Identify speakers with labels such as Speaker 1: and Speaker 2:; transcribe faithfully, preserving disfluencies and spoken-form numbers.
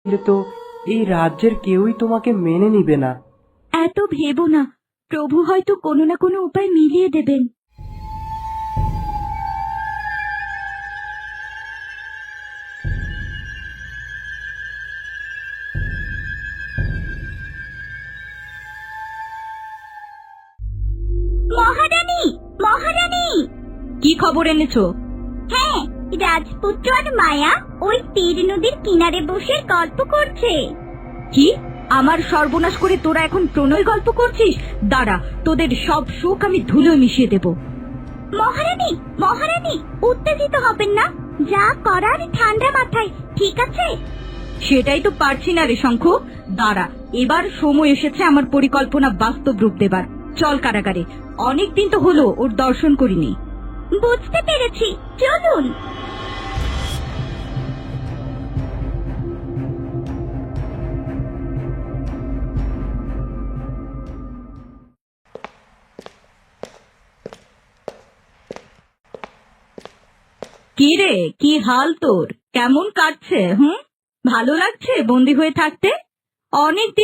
Speaker 1: তো এই রাজ্যের কেউই তোমাকে মেনে নিবে না।
Speaker 2: এত ভেবো না, প্রভু হয়তো কোনো না কোনো উপায় মিলিয়ে দেবেন। মহারানী, মহারানী! কি খবর এনেছো? হ্যাঁ, রাজপুত্র আর মায়া ওই তীর নদীর কিনারে বসে গল্প করছে। কি? আমার সর্বনাশ করে তোরা এখন প্রণয় গল্প করছিস? দাঁড়া, তোদের সব সুখ আমি ধুলো মিশিয়ে দেব। মহারানী, মহারানী, উত্তেজিত হবেন না, যা করার ঠান্ডা মাথায়, ঠিক আছে? সেটাই তো পারছি না রে শঙ্খ। দাঁড়া, এবার সময় এসেছে আমার পরিকল্পনা বাস্তব রূপ দেবার। চল কারাগারে, অনেকদিন তো হলো ওর দর্শন করিনি। বুঝতে পেরেছি, চলুন। কি রে, কি হাল তোর? কেমন কাটছে? হুম, ভালো লাগছে বন্দী হয়ে থাকতে? অনেক